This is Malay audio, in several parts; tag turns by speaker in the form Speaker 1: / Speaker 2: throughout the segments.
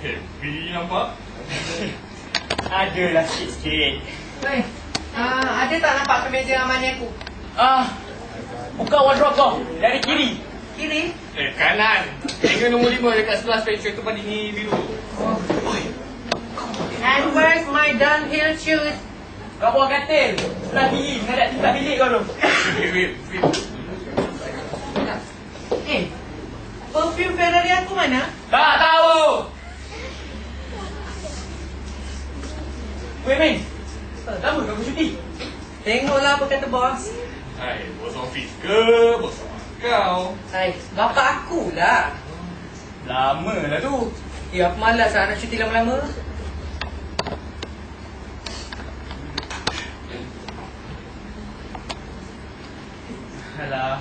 Speaker 1: Happy nampak?
Speaker 2: Adalah sikit-sikit.
Speaker 3: Weh, ada tak nampak kemeja amannya aku?
Speaker 2: Buka wardrobe kau. Dari kiri.
Speaker 3: Kiri?
Speaker 1: Kanan. Hingga nombor 5 dekat sebelah special tu pada ni biru.
Speaker 3: And where's my downhill shoes?
Speaker 2: Kau buat katil. Sebelah kiri. Menghadap tingkat bilik kau tu.
Speaker 1: Wait.
Speaker 3: Perfume Ferrari aku mana?
Speaker 2: Tak tahu. Weh, Min. Lama kau cuti?
Speaker 3: Tengoklah apa kata bos.
Speaker 1: Hai, bos office ke? Bos kau?
Speaker 3: Hai, bapak aku lah.
Speaker 2: Lama lah tu.
Speaker 3: Aku malas lah nak cuti lama-lama.
Speaker 2: Alah.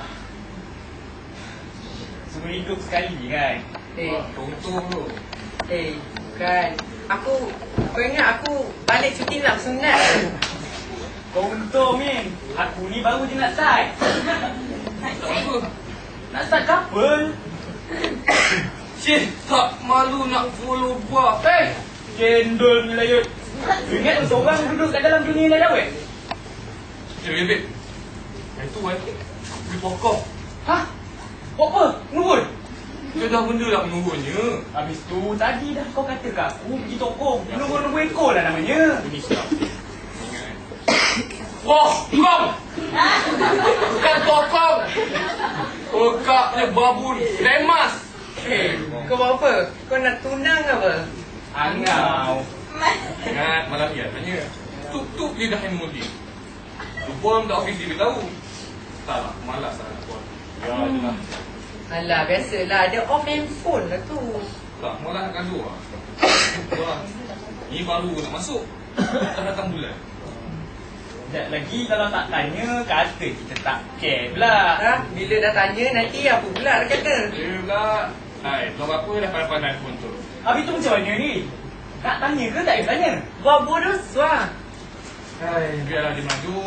Speaker 2: Semua hidup sekali kan?
Speaker 1: Contoh tu.
Speaker 3: Bukan. Kau ingat aku balik cuti nak sunat?
Speaker 2: Kau untung, Min. Aku ni baru je nak start.
Speaker 1: Tak apa.
Speaker 2: Nak start couple.
Speaker 1: Cik, tak malu nak follow buah.
Speaker 2: Cendol ni lah, Yud. Ingat seorang duduk kat dalam dunia ni dah, weh?
Speaker 1: Babe. Yang tu beli pokok.
Speaker 2: Hah? Buat apa? Menurun?
Speaker 1: Dia dah benda lah menurunnya.
Speaker 2: Habis tu, tadi dah kau kata kat aku pergi tokong. Menurun-menurun ekor lah namanya.
Speaker 1: Ini sedap. Ingat. Pokok! Bukan tokong! Pekaknya babun. Lemas!
Speaker 3: Kau buat apa? Kau nak tunang apa?
Speaker 2: Angau.
Speaker 1: Ingat, malam ni tanya. Tuk-tuk dia dah handphone dia. Lupa tak office dia tahu. Tak lah, malas lah nak buat. Ya je lah.
Speaker 3: Alah, biasalah. Dia off handphone lah tu.
Speaker 1: Tak, malah nak gaduh lah. Wah, ni baru nak masuk. Dah datang bulan.
Speaker 2: Sekejap lagi kalau tak tanya, kata kita tak care pula.
Speaker 3: Bila dah tanya, nanti apa pula dah kata?
Speaker 1: Dia pula. Hai, belum apa dah pandai-pandai handphone tu.
Speaker 2: Habis tu macam mana ni? Nak tanya ke tak payah tanya?
Speaker 3: Buat bodoh suah.
Speaker 1: Hai, biarlah dia maju.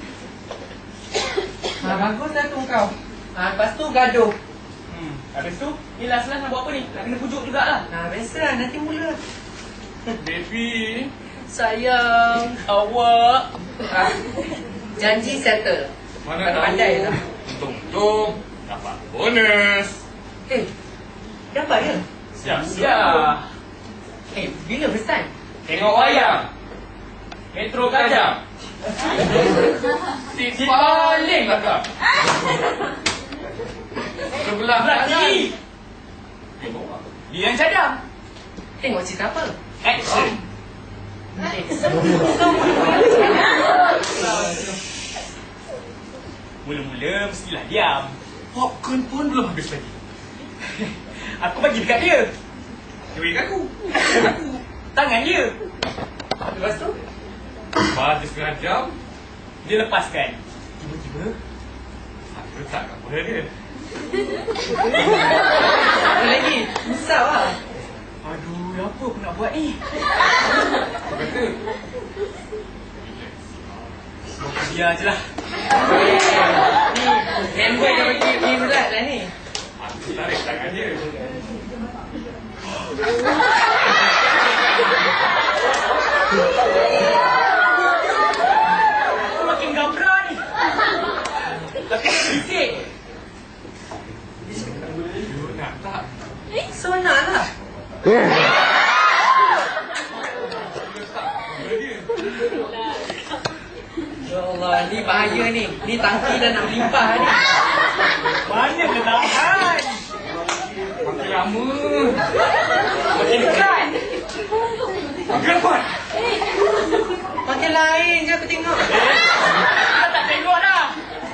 Speaker 3: Baguslah tu kau. Lepas tu gaduh.
Speaker 2: Habis tu, ni last-last nak buat apa ni? Nak kena pujuk jugalah.
Speaker 3: Biasalah, nanti mula.
Speaker 1: Baby.
Speaker 3: Sayang.
Speaker 2: Awak.
Speaker 3: Janji settle.
Speaker 1: Mana tahu.
Speaker 3: Pandai lah.
Speaker 1: Untung-untung dapat bonus.
Speaker 3: Dapat ya?
Speaker 1: Siap-siap.
Speaker 3: Bila berstart?
Speaker 1: Tengok wayang.
Speaker 2: Metro Kajang.
Speaker 1: Si paling belakang. Sebelah
Speaker 2: kiri. Dia yang cadang.
Speaker 3: Tengok cerita apa?
Speaker 2: Action. Mula-mula mestilah diam.
Speaker 1: Popcorn pun belum habis lagi.
Speaker 2: Aku bagi dekat dia.
Speaker 1: Dia bagi kat aku.
Speaker 2: Tangan dia.
Speaker 3: Lepas tu?
Speaker 1: Lepas setengah jam,
Speaker 2: Dia lepaskan. Tiba-tiba
Speaker 1: aku letak kat bola dia.
Speaker 3: Apa lagi? Susah lah.
Speaker 2: aduh, apa aku nak buat ni?
Speaker 1: Aku kata,
Speaker 2: Biar je lah.
Speaker 3: Ni, handboy dah bagi ni berat lah ni.
Speaker 1: aku tarik tangan dia.
Speaker 2: Aku makin gambra ni. Tapi bisik.
Speaker 1: You nak tak?
Speaker 3: So nak lah.
Speaker 1: Aku letak bola dia.
Speaker 3: Ya Allah, ni bahaya ni. Ni tangki dah nak melimpah ni.
Speaker 2: Mana dia tahan?
Speaker 1: Makin lama.
Speaker 2: Makin dekat. Makin rapat.
Speaker 3: Makin lain je aku tengok.
Speaker 2: Kau tak tengok dah.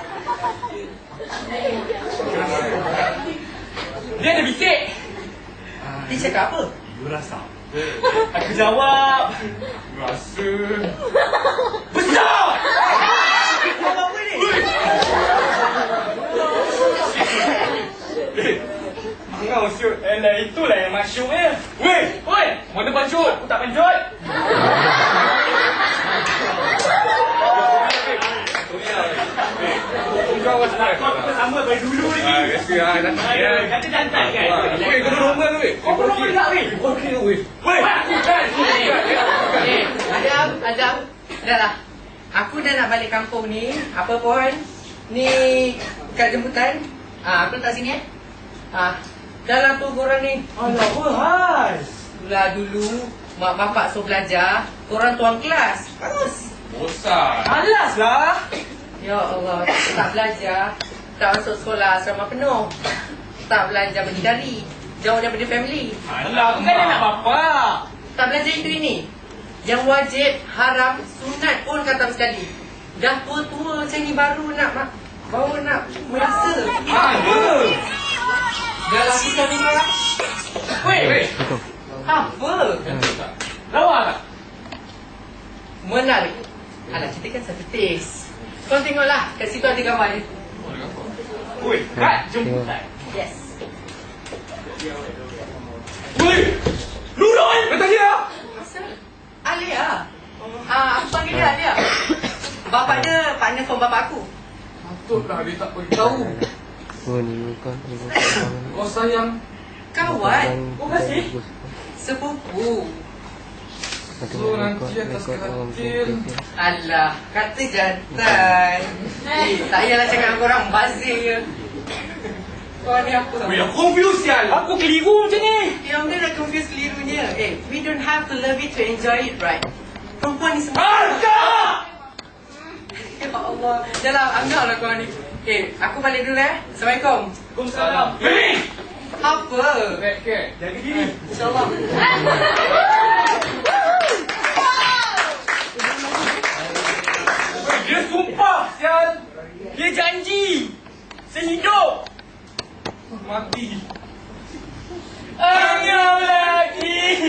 Speaker 2: Dia ada bisik.
Speaker 3: Dia cakap apa?
Speaker 1: You rasa?
Speaker 2: Aku jawab.
Speaker 1: Rasa.
Speaker 2: Besar!
Speaker 3: Kau buat apa ni?
Speaker 2: Engkau shoot. Itulah yang masyuknya. Weh! Mana pancut? Aku tak pancut.
Speaker 1: Kau macam
Speaker 2: Kau kita sama dari dulu ni.
Speaker 1: biasa lah. Nanti
Speaker 2: Kata jantan kan?
Speaker 1: Weh, kau nombor tu weh.
Speaker 2: Kau nombor juga weh.
Speaker 1: Okey weh.
Speaker 3: Dah lah. Aku dah nak balik kampung ni. Apa pun. Ni kad jemputan. Aku letak sini dah lah tu korang ni.
Speaker 2: Alah, hal.
Speaker 3: Lah dulu mak bapak suruh belajar, korang tuan kelas. Bagus.
Speaker 1: Bosan.
Speaker 2: Alas lah.
Speaker 3: Ya Allah, tak belajar, tak masuk sekolah asrama penuh, tak belajar berdikari, jauh daripada family.
Speaker 2: Alah, bukan anak bapak.
Speaker 3: Tak belajar itu ini. Yang wajib, haram, sunat pun kata sekali. Dah tua-tua macam ni baru nak merasa.
Speaker 2: Apa?
Speaker 3: Dah lah kita ni lah.
Speaker 2: Weh,
Speaker 3: Apa?
Speaker 2: lawa tak?
Speaker 3: Menarik. Alah, kita kan satu taste. Kau tengoklah, kat situ ada gambar dia.
Speaker 2: Weh, kad jemputan.
Speaker 3: Yes.
Speaker 2: Weh, Nurul, kata dia.
Speaker 3: Asal? Alia. Aku panggil dia Alia. Bapak dia partner from bapak aku.
Speaker 1: Patutlah dia tak beritahu. Kau sayang.
Speaker 3: Kawan.
Speaker 2: Oh, kasih.
Speaker 3: Sepupu.
Speaker 1: So nanti atas katil.
Speaker 3: Alah, kata jantan. Tak payahlah cakap dengan korang, bazir je. Kau ni apa?
Speaker 2: Weh, aku confused sial. Aku keliru macam ni.
Speaker 3: Yang dia dah confuse kelirunya. We don't have to love it to enjoy it, right? Perempuan ni semua.
Speaker 2: Agak!
Speaker 3: Ya Allah. Dah lah, anggap lah kau ni. Aku balik dulu Assalamualaikum.
Speaker 2: Waalaikumsalam. Weh,
Speaker 3: Apa?
Speaker 2: jaga diri.
Speaker 3: InsyaAllah.
Speaker 2: Dia sumpah sial. Dia janji. Sehidup.
Speaker 1: Mati.
Speaker 2: Anggap lagi.